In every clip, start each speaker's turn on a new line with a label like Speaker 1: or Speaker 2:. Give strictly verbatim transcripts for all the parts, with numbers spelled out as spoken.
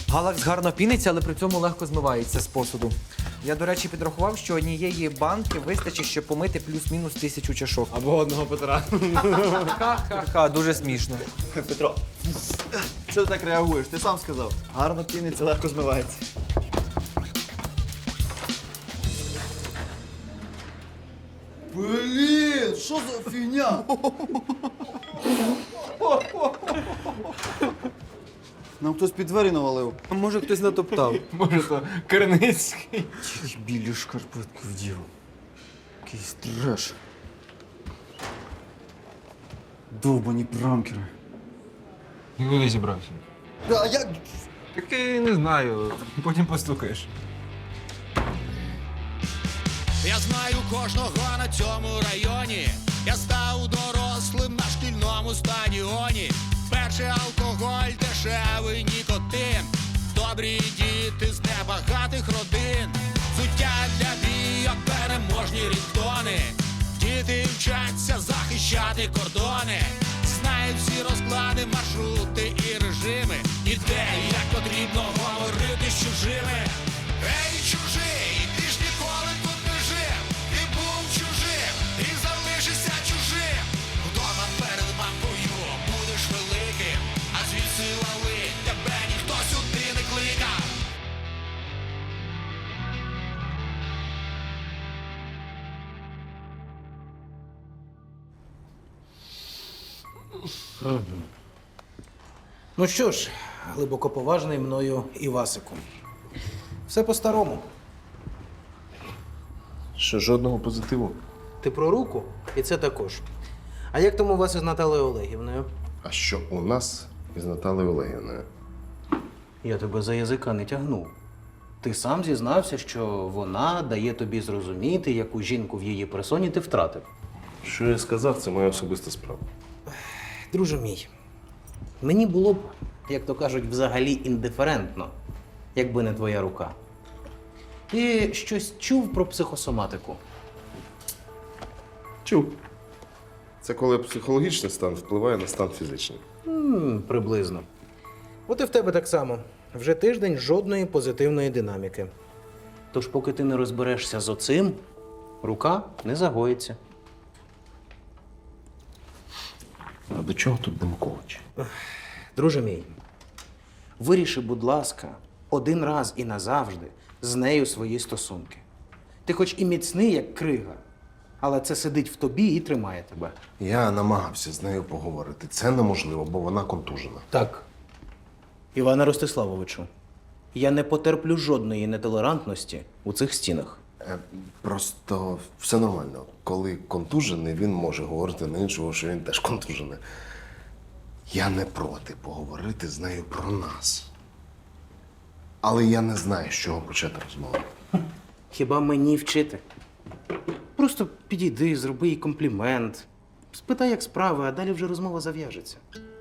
Speaker 1: Галакс гарно піниться, але при цьому легко змивається з посуду. Я, до речі, підрахував, що однієї банки вистачить, щоб помити плюс-мінус тисячу чашок.
Speaker 2: Або одного Петра.
Speaker 1: Ха-ха, дуже смішно.
Speaker 3: Петро, що ти так реагуєш? Ти сам сказав. Гарно піниться, легко змивається. Блін, що за фігня? Нам хтось під двері навалив.
Speaker 1: Може, хтось натоптав.
Speaker 2: Може, то Керницький.
Speaker 1: Білі шкарпетки вдів. Якийсь треш.
Speaker 3: Довбані пранкери.
Speaker 2: І куди зібрався?
Speaker 3: А як?
Speaker 2: Так і не знаю, потім постукаєш.
Speaker 4: Я знаю кожного на цьому районі. Я став дорослим на шкільному стадіоні. Перший алкоголь, дешевий нікотин. Добрі діти з небагатих родин. Суття для бійок, переможні рідтони. Діти вчаться захищати кордони. Знають всі розклади, маршрути і режими. І де, і як потрібно говорити з чужими. Ей, чужий, ти ж ніколи тут не жив. Ти був чужим, і залишишся чужим. Вдома перед мамкою будеш великим. А звідси лали, тебе ніхто сюди не кликав.
Speaker 5: Ну що ж, глибоко поважний мною Івасику. Все по-старому.
Speaker 6: Що жодного позитиву?
Speaker 5: Ти про руку, і це також. А як там у вас із Наталею Олегівною?
Speaker 6: А що у нас із Наталею Олегівною?
Speaker 5: Я тебе за язика не тягнув. Ти сам зізнався, що вона дає тобі зрозуміти, яку жінку в її персоні ти втратив.
Speaker 6: Що я сказав, це моя особиста справа.
Speaker 5: Друже мій, мені було б, як то кажуть, взагалі індиферентно, якби не твоя рука. Ти щось чув про психосоматику?
Speaker 6: Чув. Це коли психологічний стан впливає на стан фізичний.
Speaker 5: М, приблизно. От і в тебе так само. Вже тиждень жодної позитивної динаміки. Тож, поки ти не розберешся з оцим, рука не загоїться.
Speaker 6: А до чого тут Демкович?
Speaker 5: Друже мій, виріши, будь ласка, один раз і назавжди з нею свої стосунки. Ти хоч і міцний, як крига, але це сидить в тобі і тримає тебе.
Speaker 6: Я намагався з нею поговорити. Це неможливо, бо вона контужена.
Speaker 5: Так. Іване Ростиславовичу, я не потерплю жодної нетолерантності у цих стінах.
Speaker 6: Е, Просто все нормально. Коли контужений, він може говорити на іншого, що він теж контужений. Я не проти поговорити з нею про нас. Але я не знаю, з чого почати розмову.
Speaker 5: Хіба мені вчити? Просто підійди, зроби їй комплімент, спитай, як справи, а далі вже розмова зав'яжеться.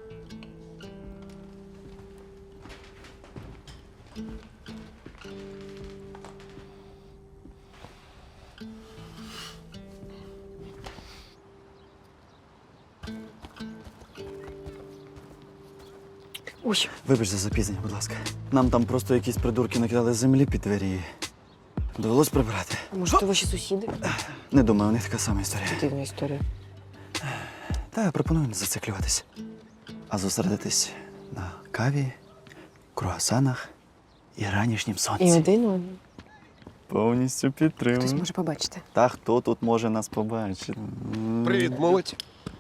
Speaker 7: Ой,
Speaker 3: Вибач за запізнення, будь ласка. Нам там просто якісь придурки накидали землі під двері і довелось прибирати.
Speaker 7: а може, то ваші сусіди?
Speaker 3: Не думаю, у них така сама історія.
Speaker 7: Дивна історія.
Speaker 3: Та я пропоную не зациклюватись, а зосередитись на каві, круасанах і ранішнім
Speaker 7: І
Speaker 3: сонці.
Speaker 7: один один.
Speaker 3: Повністю
Speaker 7: Хтось
Speaker 3: підтримую.
Speaker 7: може побачити.
Speaker 3: Та хто тут може нас побачити?
Speaker 6: Привіт, молодь.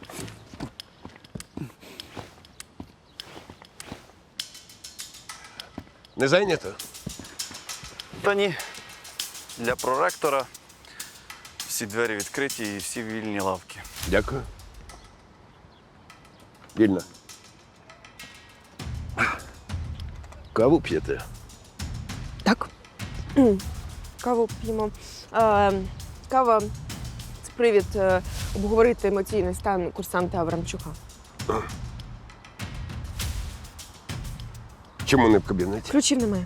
Speaker 8: Не зайнято?
Speaker 3: Та ні. Для проректора всі двері відкриті і всі вільні лавки.
Speaker 8: Дякую. Вільно. Каву п'єте?
Speaker 7: Так. М, Каву п'ємо. Е, Кава це привід е, обговорити емоційний стан курсанта Аврамчука.
Speaker 8: Чому не в кабінеті?
Speaker 7: Ключів немає.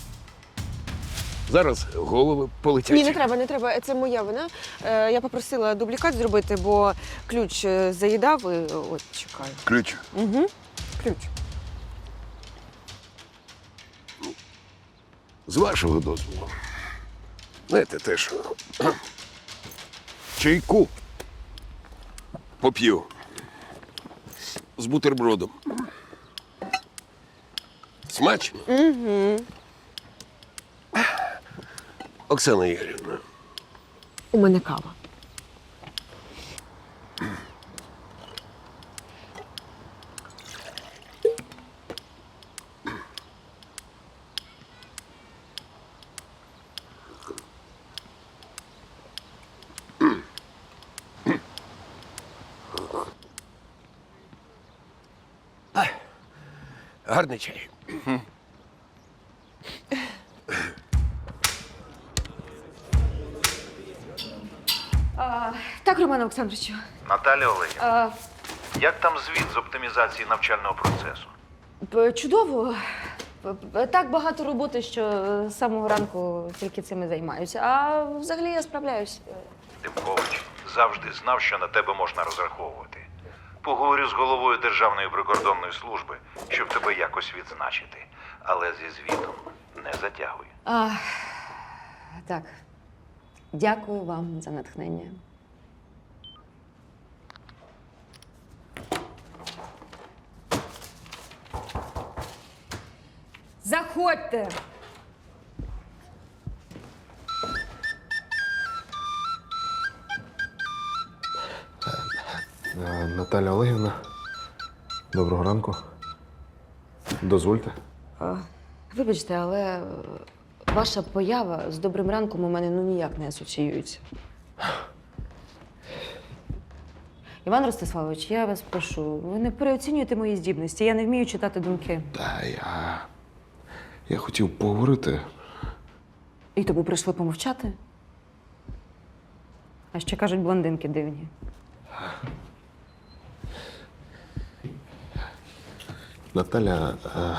Speaker 8: Зараз голови полетять.
Speaker 7: Ні, не треба, не треба. Це моя вина. Е, Я попросила дублікат зробити, бо ключ е, заїдав і от чекаю.
Speaker 8: Ключ.
Speaker 7: Угу. Ключ.
Speaker 8: З вашого дозволу. Знаєте, теж чайку поп'ю з бутербродом. Смачно? Угу. Оксана Ігорівна,
Speaker 7: У мене кава.
Speaker 8: гарний чай.
Speaker 7: Так, Романе Олександровичу.
Speaker 9: Наталя Олегівна,
Speaker 7: А,
Speaker 9: як там звіт з оптимізації навчального процесу?
Speaker 7: п- чудово. П- п- Так багато роботи, що з самого ранку тільки цим і займаюся. А взагалі я справляюсь.
Speaker 9: Демкович завжди знав, що на тебе можна розраховувати. Поговорю з головою Державної прикордонної служби, щоб тебе якось відзначити. Але зі звітом не затягуй.
Speaker 7: А, так. Дякую вам за натхнення. Заходьте!
Speaker 6: Е, Наталя Олегівна, доброго ранку. Дозвольте.
Speaker 7: Вибачте, але е, ваша поява з добрим ранком у мене ну ніяк не асоціюється. Іван Ростиславович, я вас прошу, ви не переоцінюєте мої здібності. Я не вмію читати думки.
Speaker 6: Та я. Я хотів поговорити.
Speaker 7: І тому прийшли помовчати. А ще кажуть, блондинки дивні.
Speaker 6: Наталя. А,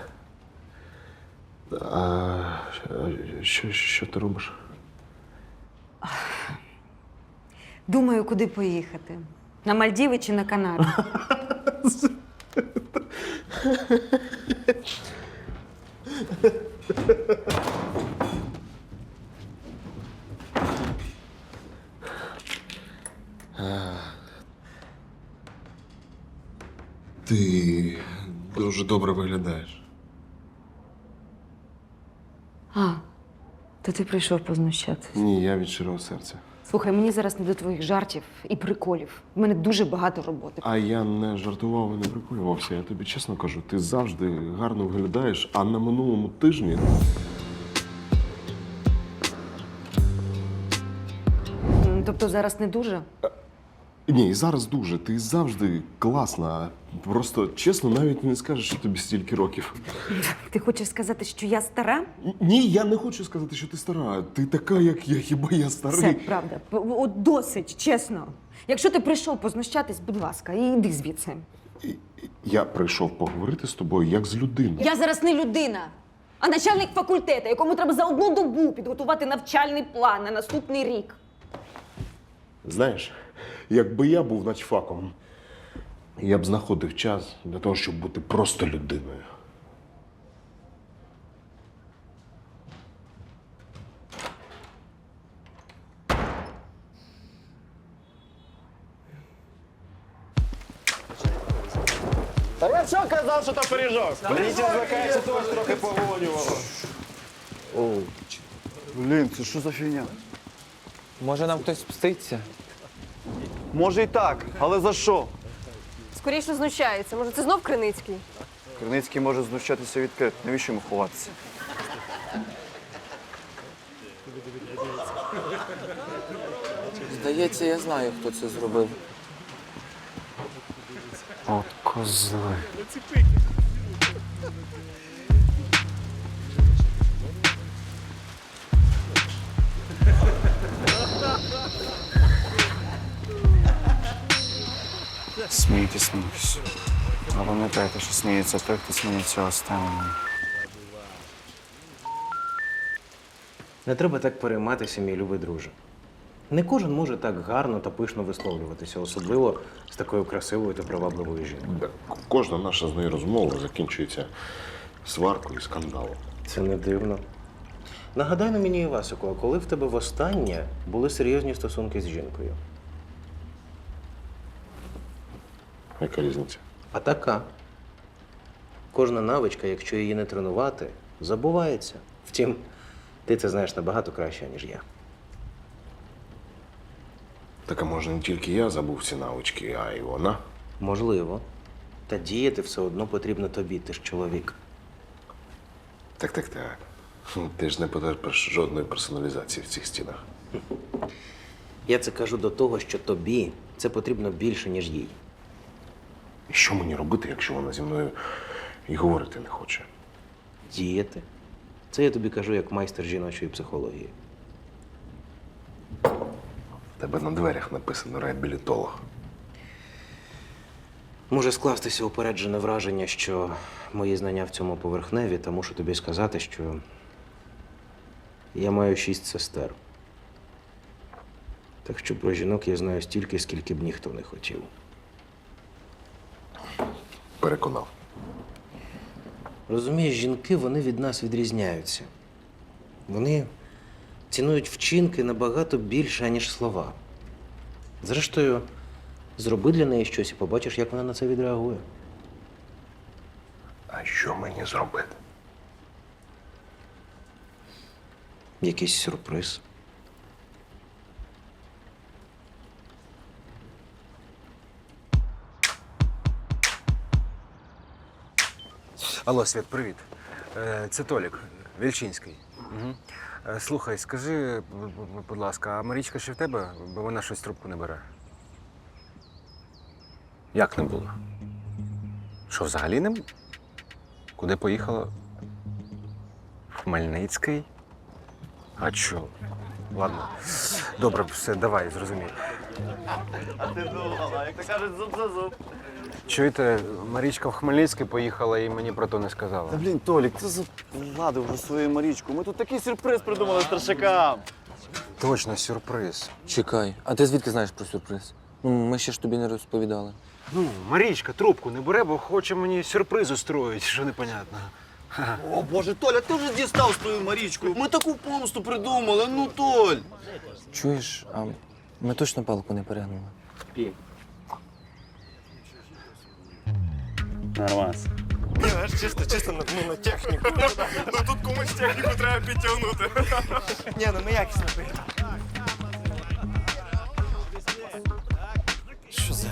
Speaker 6: а, що, що ти робиш?
Speaker 7: Думаю, куди поїхати. На Мальдіви чи на Канари?
Speaker 6: Ти дуже добре виглядаєш.
Speaker 7: А, то ти прийшов познущатись.
Speaker 6: Ні, я від щирого серця.
Speaker 7: Слухай, мені зараз не до твоїх жартів і приколів. У мене дуже багато роботи.
Speaker 6: А я не жартував і не приколювався. Я тобі чесно кажу, ти завжди гарно виглядаєш, а на минулому тижні.
Speaker 7: М, Тобто зараз не дуже?
Speaker 6: Ні, і зараз дуже. Ти завжди класна. Просто чесно, навіть не скажеш, що тобі стільки років.
Speaker 7: Ти хочеш сказати, що я стара?
Speaker 6: Ні, я не хочу сказати, що ти стара. Ти така, як я, хіба я старий.
Speaker 7: Все, правда. П- От досить, чесно. Якщо ти прийшов познущатись, будь ласка, і йди звідси.
Speaker 6: І- і- Я прийшов поговорити з тобою як з людиною.
Speaker 7: Я зараз не людина, а начальник факультету, якому треба за одну добу підготувати навчальний план на наступний рік.
Speaker 6: Знаєш, якби я був начфаком, я б знаходив час для того, щоб бути просто людиною.
Speaker 3: Та я що казав, що то пиріжок? Мені злякається, то ось трохи погонювало. О, блін, це що за фігня?
Speaker 1: Може, нам хтось мститься?
Speaker 3: Може і так, але за що?
Speaker 10: Скоріше знущається. Може, це знов Криницький?
Speaker 3: Криницький може знущатися відкрито. Навіщо йому ховатися?
Speaker 1: Здається, я знаю, хто це зробив.
Speaker 6: От козли.
Speaker 3: Смійтесь, смійтесь. А пам'ятайте, що сміється той, хто сміється останнім.
Speaker 5: Не треба так перейматися, мій любий друже. Не кожен може так гарно та пишно висловлюватися, особливо з такою красивою та привабливою жінкою.
Speaker 6: Кожна наша з нею розмова закінчується сваркою і скандалом.
Speaker 5: Це не дивно. Нагадай на мені, Івасику, а коли в тебе востаннє були серйозні стосунки з жінкою?
Speaker 6: Яка різниця?
Speaker 5: А така. Кожна навичка, якщо її не тренувати, забувається. Втім, ти це знаєш набагато краще, ніж я.
Speaker 6: Так а може не тільки я забув ці навички, а й вона.
Speaker 5: Можливо. Та діяти все одно потрібно тобі, ти ж чоловік.
Speaker 6: Так, так, так. Ти ж не потерпиш жодної персоналізації в цих стінах.
Speaker 5: Я це кажу до того, що тобі це потрібно більше, ніж їй.
Speaker 6: І що мені робити, якщо вона зі мною і говорити не хоче?
Speaker 5: Діяти. Це я тобі кажу як майстер жіночої психології.
Speaker 6: В тебе на дверях написано реабілітолог.
Speaker 5: Може скластися упереджене враження, що мої знання в цьому поверхневі, та мушу тобі сказати, що я маю шість сестер. Так що про жінок я знаю стільки, скільки б ніхто не хотів.
Speaker 6: Переконав.
Speaker 5: Розумієш, жінки, вони від нас відрізняються. Вони цінують вчинки набагато більше, ніж слова. Зрештою, зроби для неї щось і побачиш, як вона на це відреагує.
Speaker 6: А що мені зробити?
Speaker 5: Якийсь сюрприз.
Speaker 2: Алло, Свят, привіт. Е, Це Толік, Вільчинський. Угу. Слухай, скажи, б- б- будь ласка, а Марічка ще в тебе? Бо вона щось трубку не бере. Як не було? Що, взагалі не? б- Куди поїхала? В Хмельницький? А чо? Ладно. Добре, все, давай, зрозумій.
Speaker 3: А ти думала, як то кажуть, зуб за зуб.
Speaker 2: Чуєте, Марічка в Хмельницький поїхала і мені про то не сказала.
Speaker 3: Та блін, Толік, ти завладив вже свою Марічку. Ми тут такий сюрприз придумали старшакам.
Speaker 2: Точно, сюрприз.
Speaker 11: Чекай, а ти звідки знаєш про сюрприз? Ну, ми ще ж тобі не розповідали.
Speaker 2: Ну, Марічка трубку не бере, бо хоче мені сюрприз устроїть, що непонятно.
Speaker 3: О, Боже, Толя, ти вже дістав свою Марічку. Ми таку помсту придумали, ну, Толь.
Speaker 11: Чуєш, а ми точно палку не перегнули?
Speaker 3: Нормас.
Speaker 6: Чисто, чисто на, ну, на техніку. Ну тут комусь техніку треба підтягнути. Ні, ну ми якісно поїхали. Що за?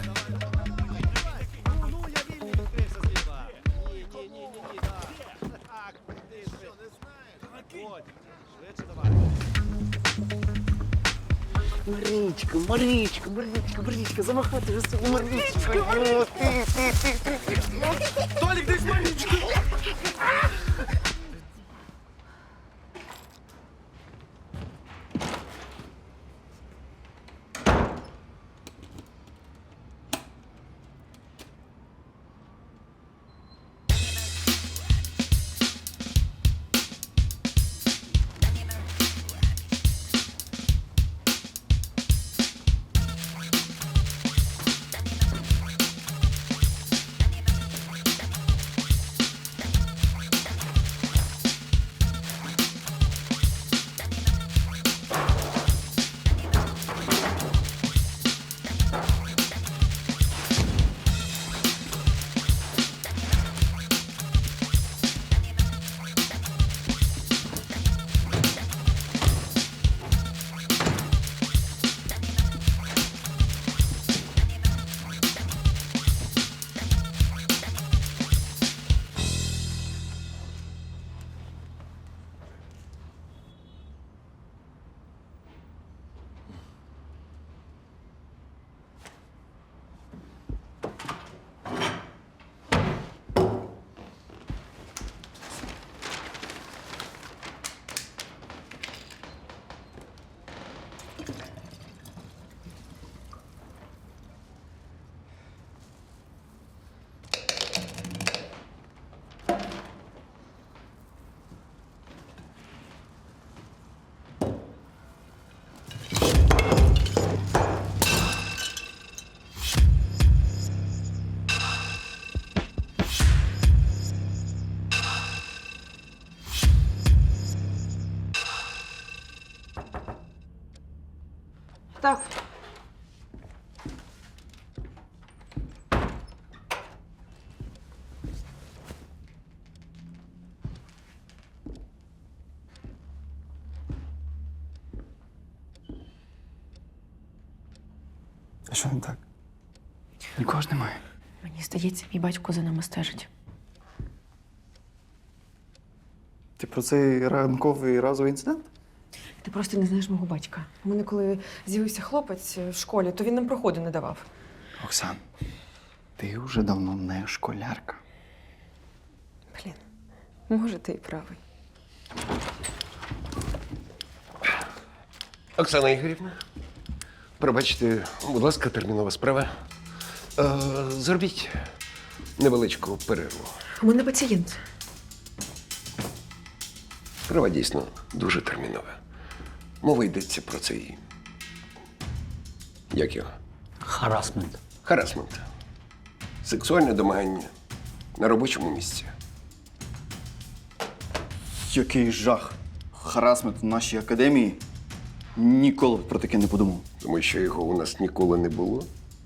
Speaker 3: Марічка, Марічка, Марічка, Марічка, замахати вже собі Марічка. Ну, ти, ти, ти, ти, ти. Толік, десь Марічка.
Speaker 10: так.
Speaker 3: А що не так? Нікого ж немає.
Speaker 10: Мені здається, мій батько за нами стежить.
Speaker 3: Ти про цей ранковий разовий інцидент?
Speaker 10: Ти просто не знаєш мого батька. У мене, коли з'явився хлопець в школі, то він нам проходу не давав.
Speaker 3: Оксан, ти вже давно не школярка.
Speaker 10: Блін, може, ти і правий.
Speaker 8: Оксана Ігорівна, пробачте, будь ласка, термінова справа. Е, зробіть невеличку перерву.
Speaker 10: У мене пацієнт.
Speaker 8: Справа дійсно дуже термінова. Мова йдеться про цей. Як його?
Speaker 11: Харасмент.
Speaker 8: Харасмент. Сексуальне домагання на робочому місці.
Speaker 3: Який жах. Харасмент в нашій академії. Ніколи б про таке не подумав.
Speaker 8: Тому що його у нас ніколи не було.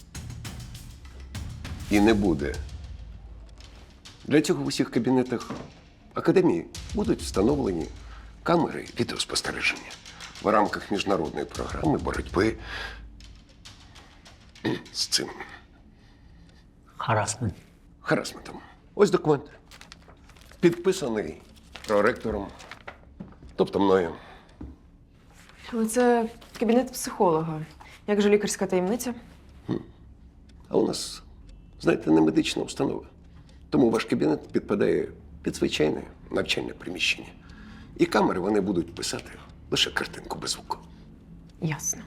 Speaker 8: І не буде. Для цього в усіх кабінетах академії будуть встановлені камери відеоспостереження в рамках міжнародної програми боротьби з цим
Speaker 11: Харасмент.
Speaker 8: харасментом. Ось документ. Підписаний проректором, тобто мною.
Speaker 10: Але це кабінет психолога. Як же лікарська таємниця?
Speaker 8: А у нас, знаєте, не медична установа. Тому ваш кабінет підпадає під звичайне навчальне приміщення. І камери вони будуть писати лише картинку без звуку.
Speaker 10: Ясно.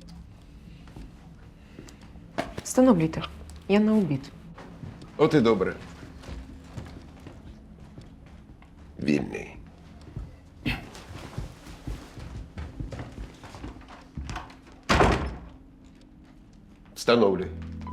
Speaker 10: Встановлюйте. Я на обід.
Speaker 8: От і добре. Вільний. Встановлюй.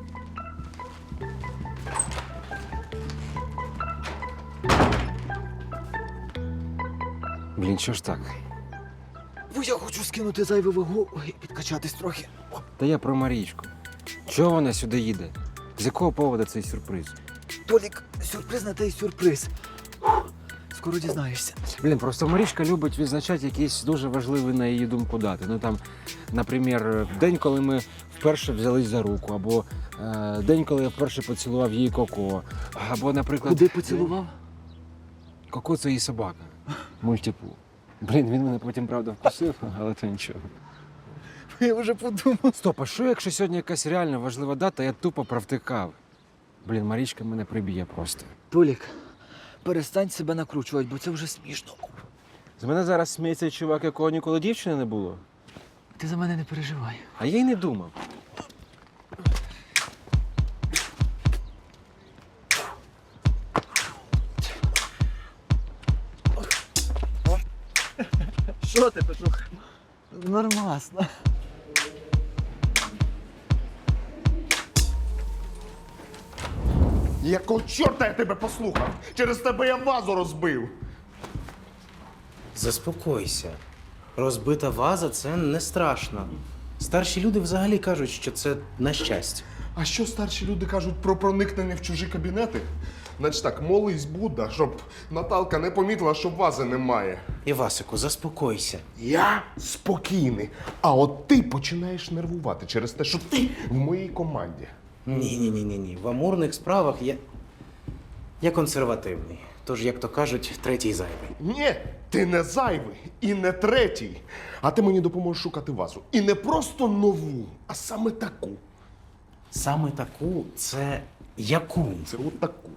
Speaker 2: Блін, що ж так?
Speaker 11: Бо я хочу скинути зайву вагу і підкачатись трохи.
Speaker 2: Та я про Марічку. Чого вона сюди їде? З якого поводу цей сюрприз?
Speaker 11: Толік, сюрприз на той сюрприз. Фух, скоро дізнаєшся.
Speaker 2: Блін, просто Марічка любить відзначати якісь дуже важливі, на її думку, дати. Ну там, наприклад, день, коли ми вперше взялись за руку, або е, день, коли я вперше поцілував її Коко, або, наприклад...
Speaker 11: Куди поцілував?
Speaker 2: Коко – це її собака. Мультипу. Блін, він мене потім, правда, вкусив, але то нічого.
Speaker 11: Я вже подумав.
Speaker 2: Стоп, а що, якщо сьогодні якась реально важлива дата, я тупо провтикав? Блін, Марічка мене приб'є просто.
Speaker 11: Толік, перестань себе накручувати, бо це вже смішно.
Speaker 2: З мене зараз сміється чувак, якого ніколи дівчини не було.
Speaker 11: Ти за мене не переживай.
Speaker 2: А я й не думав.
Speaker 11: Що ти, Петрух? Нормасно.
Speaker 12: Якого чорта я тебе послухав? Через тебе я вазу розбив.
Speaker 5: Заспокойся. Розбита ваза це не страшно. Старші люди взагалі кажуть, що це на щастя.
Speaker 12: А що старші люди кажуть про проникнення в чужі кабінети? Значить так, молись Будда, щоб Наталка не помітила, що вази немає.
Speaker 5: Івасику, заспокойся.
Speaker 12: Я спокійний. А от ти починаєш нервувати через те, що ти в моїй команді.
Speaker 5: Ні-ні-ні-ні. В амурних справах я. Я консервативний. Тож, як то кажуть, третій зайвий.
Speaker 12: Ні, ти не зайвий і не третій. А ти мені допоможеш шукати вазу. І не просто нову, а саме таку.
Speaker 5: Саме таку це яку?
Speaker 12: Це от таку.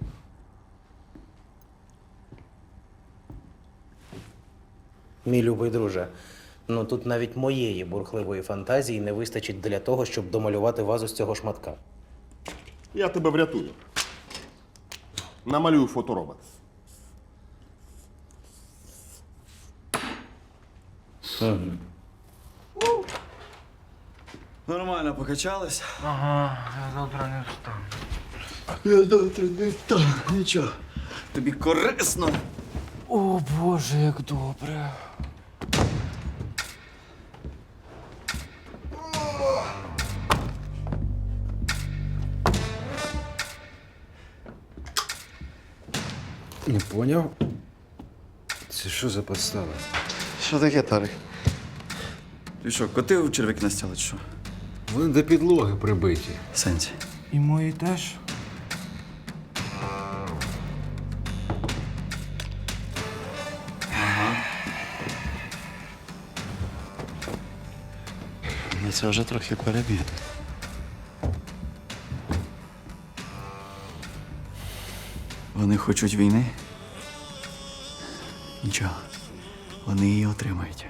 Speaker 5: Мій любий друже, ну тут навіть моєї бурхливої фантазії не вистачить для того, щоб домалювати вазу з цього шматка.
Speaker 12: Я тебе врятую. Намалюю фоторобот.
Speaker 5: Угу.
Speaker 3: Нормально покачались?
Speaker 11: Ага, я завтра не встану.
Speaker 3: Я завтра не встану. Нічого. Тобі корисно.
Speaker 11: О, Боже, як добре.
Speaker 2: Не поняв. Це що за подстава?
Speaker 3: Що таке, Тарик?
Speaker 11: І що, коти у черв'яки настяли, чи що?
Speaker 2: Вони до підлоги прибиті.
Speaker 11: Сенсі.
Speaker 2: І мої теж.
Speaker 3: Ну, це вже трохи перебір.
Speaker 11: Вони хочуть війни? Нічого. Вони її отримають.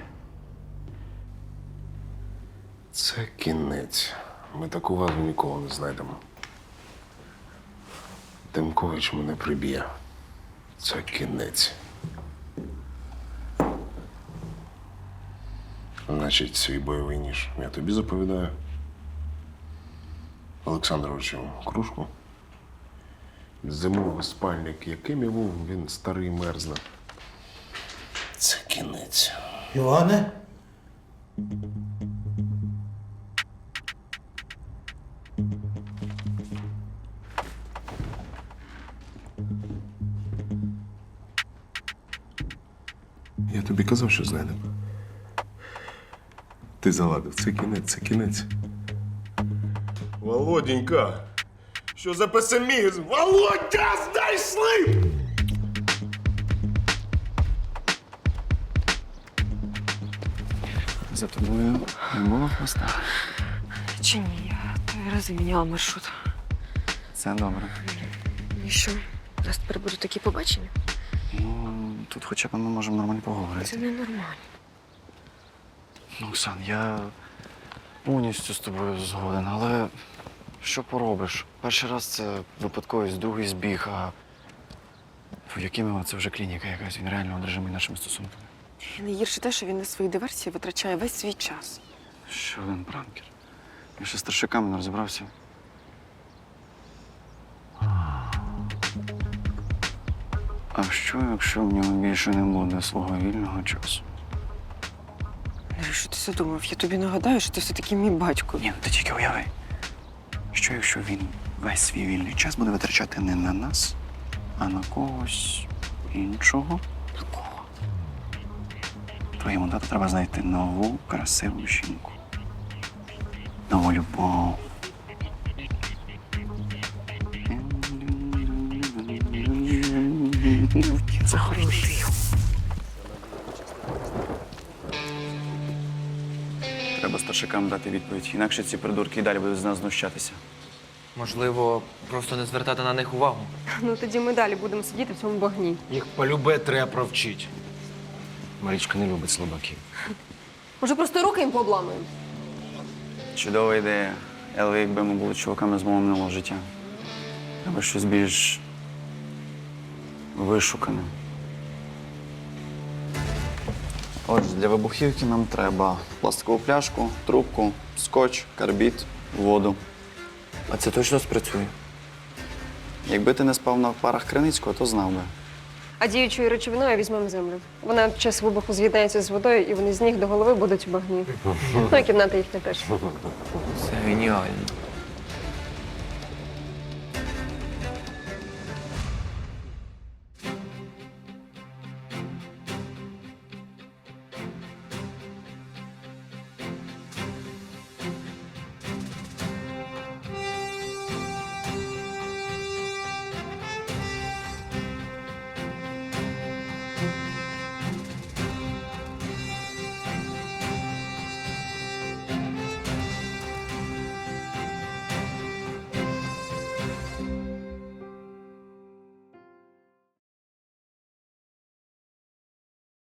Speaker 6: Це кінець. Ми таку вазу ніколи не знайдемо. Демкович мене приб'є. Це кінець. Значить, свій бойовий ніж я тобі заповідаю. Олександровичу кружку. Зимовий спальник, яким його він старий мерзне. Це кінець.
Speaker 5: Іване?
Speaker 6: Я тобі казав, що знайдемо. Ти заладив. Це кінець, це кінець.
Speaker 12: Володенька, що за песимізм? Володя, знайшли!
Speaker 11: За тобою не було хвоста.
Speaker 10: Чи ні, я три рази міняла маршрут.
Speaker 11: Це добре.
Speaker 10: І що? У нас тепер будуть такі побачення?
Speaker 11: Ну, тут хоча б ми можемо нормально
Speaker 10: Це
Speaker 11: поговорити.
Speaker 10: ненормально.
Speaker 11: Ну, Оксан, я повністю з тобою згоден, але що поробиш? Перший раз це випадковість, другий збіг, а в Якимова це вже клініка якась, він реально одержимий нашими стосунками.
Speaker 10: І найгірше те, що він на свої диверсії витрачає весь свій час.
Speaker 11: Ще один пранкер. Я ще з старшиками не розібрався. А що, якщо в нього більше не буде свого вільного часу?
Speaker 10: Ну, що ти задумав? Я тобі нагадаю, що ти все-таки мій батько.
Speaker 11: Ні, ну ти тільки уяви. Що, якщо він весь свій вільний час буде витрачати не на нас, а на когось іншого?
Speaker 10: На кого?
Speaker 11: Твоєму тату треба знайти нову, красиву жінку. Нову любов. Захворіти. Треба старшикам дати відповідь, інакше ці придурки і далі будуть з нас знущатися.
Speaker 1: Можливо, просто не звертати на них увагу.
Speaker 10: Ну тоді ми далі будемо сидіти в цьому багні.
Speaker 2: Їх полюбе треба провчити. Марічка не любить слабаків.
Speaker 10: Може, просто руки їм пообламуємо?
Speaker 11: Чудова ідея. Але якби ми були чуваками з мого минулого життя. Треба щось більш вишукане. Отже, для вибухівки нам треба пластикову пляшку, трубку, скотч, карбід, воду.
Speaker 1: А це точно спрацює?
Speaker 11: Якби ти не спав на парах Криницького, то знав би.
Speaker 10: А діючою речовиною візьмемо землю. Вона під час вибуху з'єднається з водою, і вони з ніг до голови будуть у багні. Ну і кімната їхня теж.
Speaker 1: Це геніально.